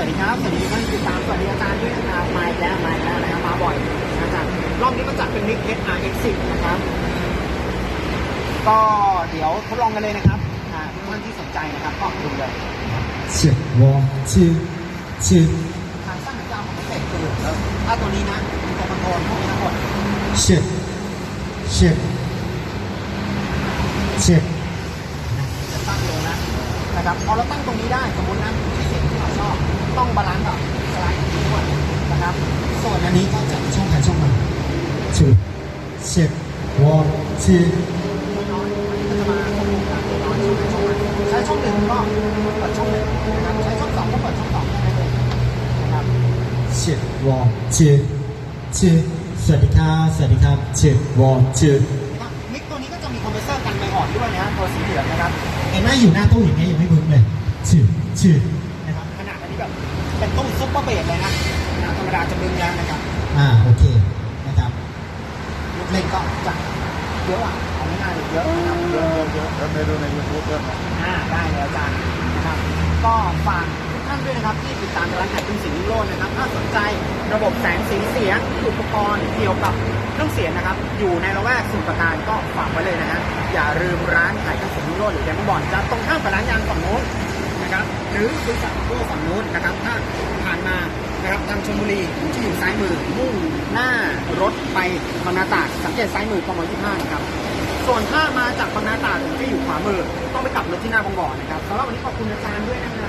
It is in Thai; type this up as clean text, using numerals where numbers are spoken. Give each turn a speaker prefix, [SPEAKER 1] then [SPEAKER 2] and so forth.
[SPEAKER 1] วัสดีครับสวัสดีท่านติดตามสวัสดีอาจารย์ด้วยนะครับมาอีกแล้วนะครับมาบ่อยนะอาจารย์รอบนี้มาจัดเป็นมิก SRX10 นะครับก็เดี๋ยวทดลองกันเลยนะครับทุกท่านที่สนใจนะครับก็ดูเลย
[SPEAKER 2] 切我切切
[SPEAKER 1] ทางสั้นหางยาวของนักเตะคือถ้าตัวนี้นะมีตัวคอนโทรลพวกนี้ทั้งหมด
[SPEAKER 2] 切切切
[SPEAKER 1] จะตั้งเลยนะครับพอเราตั้งตรงนี้ได้สมมตินะที่เสียงที่เราชอบต้องบาลานซ์กับสไลด์ที่ด้วยนะครับส่วนอันนี้ก็จะช่องถ่ายช่องมา
[SPEAKER 2] 切切我切
[SPEAKER 1] น้อยอันนี้ก็จะมาควบคุมการน้อยใช้ช่องหนึ่งก็เปิดช่องหนึ่งนะครับใช้ช่องสองก็เปิดช่องสองได้เลยนะครับ
[SPEAKER 2] 切我切切สวัสดีครับสวัสดีครับ切我切
[SPEAKER 1] มิกตัวนี้ก็จะมีคอมเพรสเซอร์กันไมอ่อนด้วยนะตัวสีเหลืองนะครับ
[SPEAKER 2] เห็นไหมอยู่หน้าตู้อย่างนี้ยังไม่บึ้งเลยชื่อ
[SPEAKER 1] นะครับขนาดอันนี้แบบเป็นตู้ซุปเปอร์เบสเลยนะธรรมดาจะบึ้งแล้วนะครับ
[SPEAKER 2] โอเคนะครับ
[SPEAKER 1] ลูกเล่นก็จะเยอะเอาง่ายๆเยอะนะครับเยอะ
[SPEAKER 3] แล้วไปดูใน YouTube ด้วยนะ
[SPEAKER 1] ได้เลยอาจารย์นะครับก็ฝากทุกท่านด้วยนะครับที่ติดตามร้านขายเครื่องเสียงวิโรจน์นะครับถ้าสนใจระบบแสงสีเสียงอุปกรณ์เกี่ยวกับเครื่องเสียงนะครับอยู่ในละแวกสมุทรปราการก็ฝากไว้เลยนะฮะอย่าลืมร้านขายเครื่องเสียงวิโรจน์หรือแดนบอลจะตรงข้ามกับร้านยางฝั่งโน้นนะครับหรือบริษัทโก้ฝั่งโน้นนะครับถ้าผ่านมานะครับทางชลบุรีที่อยู่ซ้ายมือมุ่งหน้ารถไปบางนาตราดสังเกตซ้ายมือกม.25นะครับส่วนถ้ามาจากบางนาตราดที่อยู่ขวามือต้องไปกลับรถที่หน้าบางบ่อนะครับสำหรับวันนี้ขอบคุณอาจารย์ด้วยนะครับ